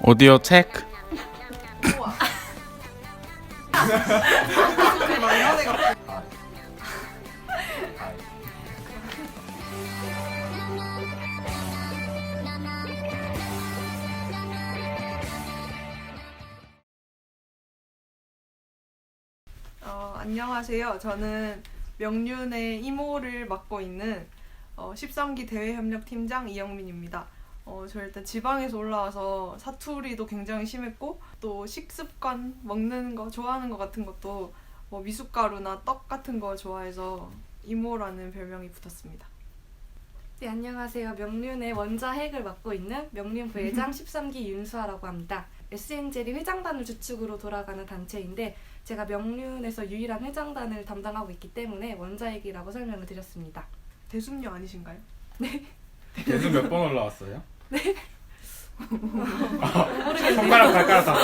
오디오 체크. 안녕하세요. 저는 명륜의 이모를 맡고 있는 13기 대외협력팀장 이영민입니다. 저 일단 지방에서 올라와서 사투리도 굉장히 심했고 또 식습관, 먹는 거, 좋아하는 거 같은 것도 뭐 미숫가루나 떡 같은 거 좋아해서 이모라는 별명이 붙었습니다. 네, 안녕하세요. 명륜의 원자핵을 맡고 있는 명륜 부회장 13기 윤수아라고 합니다. SN젤이 회장단을 주축으로 돌아가는 단체인데 제가 명륜에서 유일한 회장단을 담당하고 있기 때문에 원자핵이라고 설명을 드렸습니다. 대순녀 아니신가요? 네. 계속 몇 번 올라왔어요? 네. 모르겠네요. 손가락 발가락 다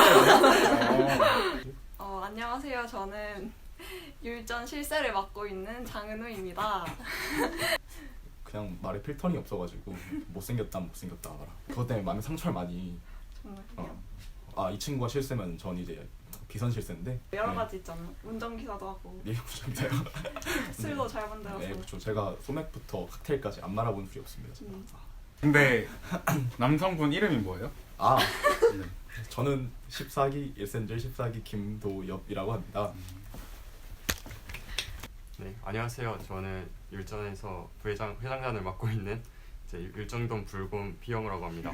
써요. 안녕하세요. 저는 율전 실세를 맡고 있는 장은우입니다. 그냥 말에 필터링이 없어가지고 못생겼다 알아. 그것 때문에 많은 상처를 많이. 이 친구가 실세면 전 이제 비선 실세인데 여러 가지 있잖아요. 운전기사도 하고 예, 운전기사요. 술도 잘 만들어서. 네, 그렇죠. 제가 소맥부터 칵테일까지 안 말아본 적이 없습니다. 제가. 근데 남성분 이름이 뭐예요? 네. 저는 14기 일센젤 14기 김도엽이라고 합니다. 네, 안녕하세요. 저는 율전에서 회장단을 맡고 있는 율정동 불곰 피영우라고 합니다.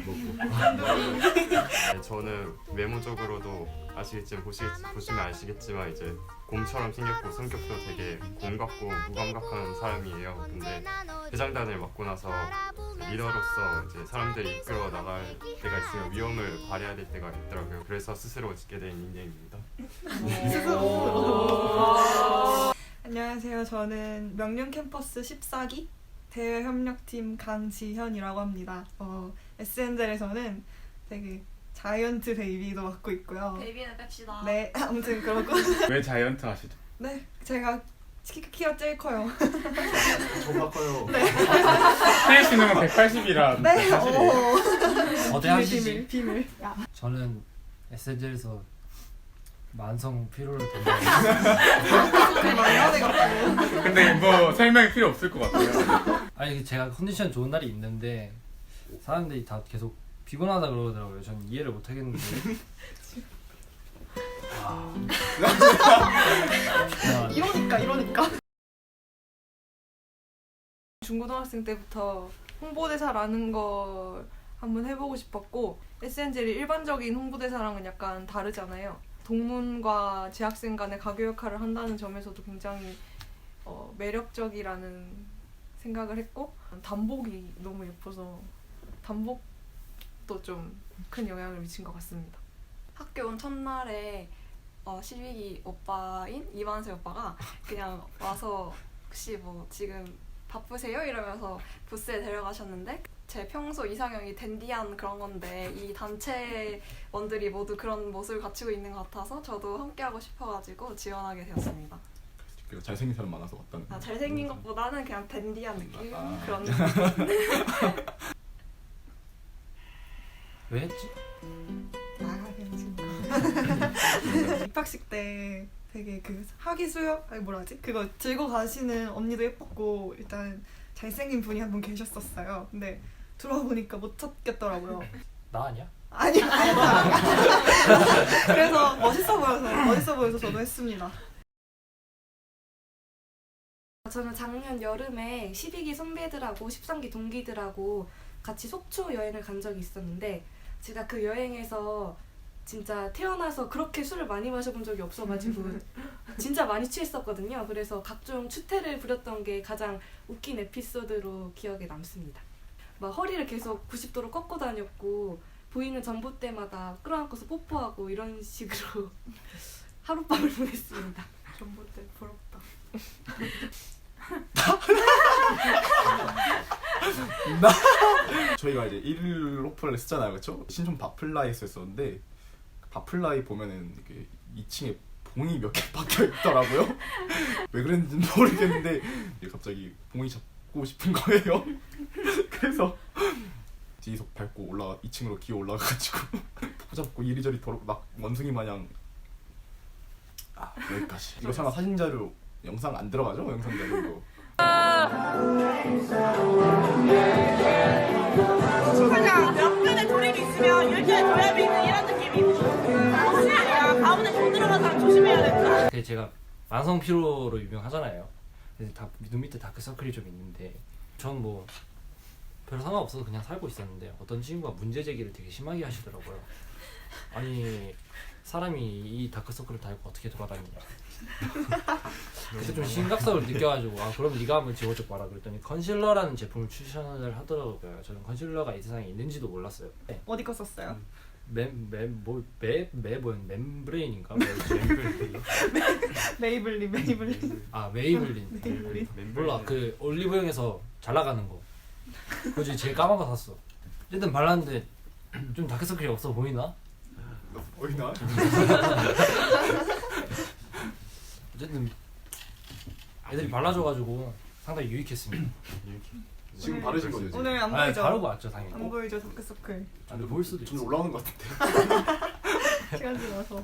네, 저는 외모적으로도 보시면 아시겠지만 이제 곰처럼 생겼고 성격도 되게 곰 같고 무감각한 사람이에요. 근데 회장단을 맡고 나서 리더로서 이제 사람들이 이끌어 나갈 때가 있으면 위험을 발휘해야 될 때가 있더라고요. 그래서 스스로 짓게 된 닉네임입니다. 안녕하세요. 저는 명륜 캠퍼스 14기 대외협력팀 강지현이라고 합니다. SN젤에서는 되게 자이언트 베이비도 맡고 있고요. 베이비는 뺍시다. 네, 아무튼 그렇고. 왜 자이언트 하시죠? 네, 제가 키가 제일 커요. 저가 커요. 태희 씨는 180이라 네, 사실이에요. 거대하시지? 비밀. 저는 SNG에서 만성 피로를 담당하고 마이너네 같고. 근데 뭐 설명이 필요 없을 것 같아요. 아니 제가 컨디션 좋은 날이 있는데 사람들이 다 계속 피곤하다 그러더라고요. 저는 이해를 못 하겠는데 이러니까. 중고등학생 때부터 홍보대사라는 걸 한번 해보고 싶었고 SN젤이 일반적인 홍보대사랑은 약간 다르잖아요. 동문과 재학생 간의 가교 역할을 한다는 점에서도 굉장히 매력적이라는 생각을 했고 단복이 너무 예뻐서 단복도 좀 큰 영향을 미친 것 같습니다. 학교 온 첫날에 12기 오빠인 이만세 오빠가 그냥 와서 혹시 뭐 지금 바쁘세요? 이러면서 부스에 데려가셨는데 제 평소 이상형이 댄디한 그런 건데 이 단체원들이 모두 그런 모습을 갖추고 있는 것 같아서 저도 함께하고 싶어가지고 지원하게 되었습니다. 그리고 잘생긴 사람 많아서 왔다는. 잘생긴 것보다는 그냥 댄디한 느낌? 그런 왜 했지? 그냥 지금 입학식 때 되게 그 학위 수업 그거 들고 가시는 언니도 예뻤고 일단 잘생긴 분이 한 분 계셨었어요. 근데 들어보니까 못 찾겠더라고요. 나 아니야? 아니요. 그래서 멋있어 보여서 저도 했습니다. 저는 작년 여름에 12기 선배들하고 13기 동기들하고 같이 속초 여행을 간 적이 있었는데 제가 그 여행에서 진짜 태어나서 그렇게 술을 많이 마셔본 적이 없어가지고 진짜 많이 취했었거든요. 그래서 각종 추태를 부렸던 게 가장 웃긴 에피소드로 기억에 남습니다. 막 허리를 계속 90도로 꺾고 다녔고 보이는 전봇대마다 끌어안고서 뽀뽀하고 이런 식으로 하룻밤을 보냈습니다. 전봇대 부럽다. 저희가 이제 1일 오픈을 했잖아요, 그렇죠? 신촌 바플라이에서 했었는데 바플라이 보면은 이렇게 2층에 봉이 몇 개 박혀 있더라고요. 왜 그랬는지 모르겠는데 갑자기 봉이 잡고 싶은 거예요. 그래서 뒤에서 밟고 2층으로 기어 올라가가지고 붙잡고 이리저리 막 원숭이 마냥 여기까지. 이거 설마 사진 자료 영상 안 들어가죠? 영상 자료 이거. 그냥 옆편에 조립이 있으면 열편에 조립이 있는 이런 느낌이 혹시 가운데 돈 들어간 사람 조심해야 된다. 제가 만성 피로로 유명하잖아요. 그래서 눈 밑에 다크서클이 좀 있는데 전 뭐 별 상관없어서 그냥 살고 있었는데 어떤 친구가 문제 제기를 되게 심하게 하시더라고요. 아니 사람이 이 다크서클을 달고 어떻게 돌아다니냐. 그래서 좀 심각성을 느껴가지고 그럼 네가 한번 지워줘 봐라 그랬더니 컨실러라는 제품을 추천을 하더라고요. 저는 컨실러가 이 세상에 있는지도 몰랐어요. 네. 어디 거 썼어요? 멤브레인인가? 메이블린. 메이블린. 몰라 그 올리브영에서 잘 나가는 거. 그거 제일 까만 거 샀어. 어쨌든 발랐는데 좀 다크서클이 없어 보이나? 보이나? 어쨌든 애들이 발라줘가지고 상당히 유익했습니다. 지금 바르신 거죠? 지금? 오늘 안 아니, 보이죠? 바르고 왔죠 당연히. 안 보이죠 다크서클. 근데 보일 수도 좀 있어. 올라오는 것 같은데. 시간 지나서.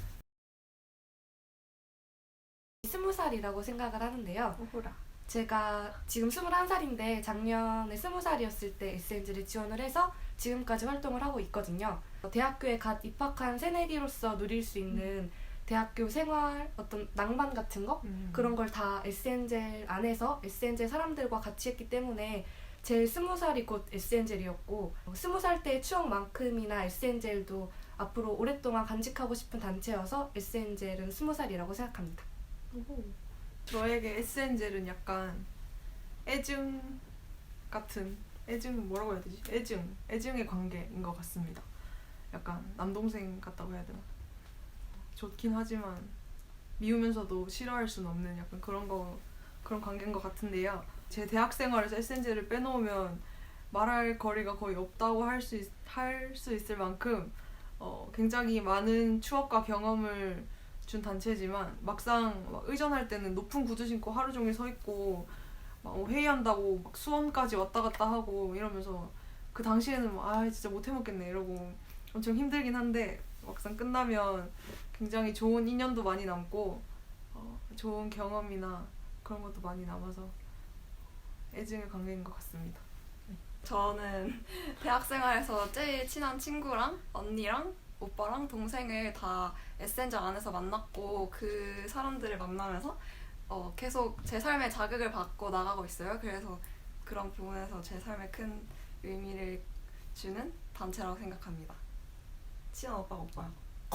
20살이라고 생각을 하는데요. 오호라. 제가 지금 21살인데 작년에 20살이었을 때 SNG를 지원을 해서 지금까지 활동을 하고 있거든요. 대학교에 갓 입학한 새내기로서 누릴 수 있는 대학교 생활 어떤 낭만 같은 거 그런 걸 다 SNGL 안에서 SNGL 사람들과 같이 했기 때문에 제 20살이 곧 SNGL이었고 20살 때의 추억만큼이나 SNGL도 앞으로 오랫동안 간직하고 싶은 단체여서 SNGL은 20살이라고 생각합니다. 저에게 SNGL은 약간 애증 같은 뭐라고 해야 되지? 애증의 관계인 것 같습니다. 약간 남동생 같다고 해야 되나? 좋긴 하지만 미우면서도 싫어할 수는 없는 약간 그런 관계인 것 같은데요. 제 대학 생활에서 SNG를 빼놓으면 말할 거리가 거의 없다고 할 수 있을 만큼 굉장히 많은 추억과 경험을 준 단체지만 막상 막 의전할 때는 높은 구두 신고 하루 종일 서 있고 막 회의한다고 막 수원까지 왔다 갔다 하고 이러면서 그 당시에는 진짜 못 해먹겠네 이러고 엄청 힘들긴 한데 막상 끝나면 굉장히 좋은 인연도 많이 남고 좋은 경험이나 그런 것도 많이 남아서 애증의 관계인 것 같습니다. 저는 대학생활에서 제일 친한 친구랑 언니랑 오빠랑 동생을 다 SNG 안에서 만났고 그 사람들을 만나면서 계속 제 삶에 자극을 받고 나가고 있어요. 그래서 그런 부분에서 제 삶에 큰 의미를 주는 단체라고 생각합니다. 친한 오빠야.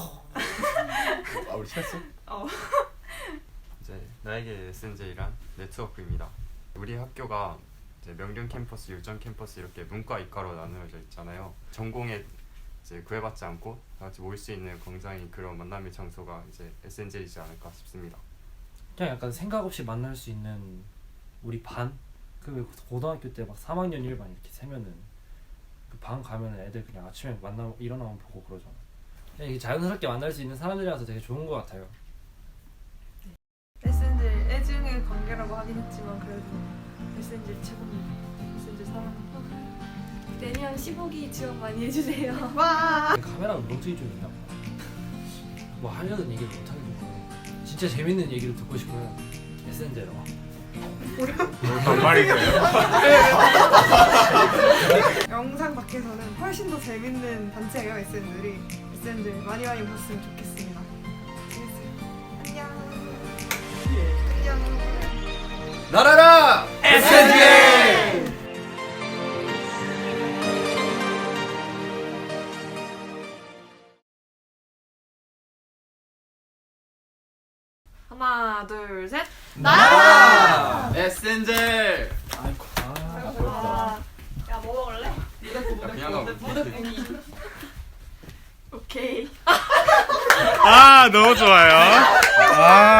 우리 친했어? 이제 나에게 SNJ란 네트워크입니다. 우리 학교가 이제 명륜 캠퍼스, 율전 캠퍼스 이렇게 문과, 이과로 나누어져 있잖아요. 전공에 이제 구애받지 않고 다 같이 모일 수 있는 굉장히 그런 만남의 장소가 이제 SNJ이지 않을까 싶습니다. 그냥 약간 생각 없이 만날 수 있는 우리 반? 그 고등학교 때 막 3학년 1반 이렇게 세면은 그 반 가면은 애들 그냥 아침에 일어나면 보고 그러잖아. 그냥 이게 자연스럽게 만날 수 있는 사람들이라서 되게 좋은 것 같아요. SNGL 애증의 관계라고 하긴 했지만 그래도 SNGL 최고입니다. SNGL 사랑합니다. 내년 15기 지원 많이 해주세요. 카메라가 멍청이 좀 있나 봐. 뭐 하려는 얘기를 못 하겠고 진짜 재밌는 얘기를 듣고 싶으면 SNG로 와. 반말이세요? 영상 밖에서는 훨씬 더 재밌는 단체예요. SNGL이 많이 봤으면 좋겠습니다. 재밌어요. 안녕. 나라라 SNG! 하나, 둘, 셋. 나라 SNG! 아이고. 야, 뭐 먹을래? 그냥 하고 오케이. 너무 좋아요.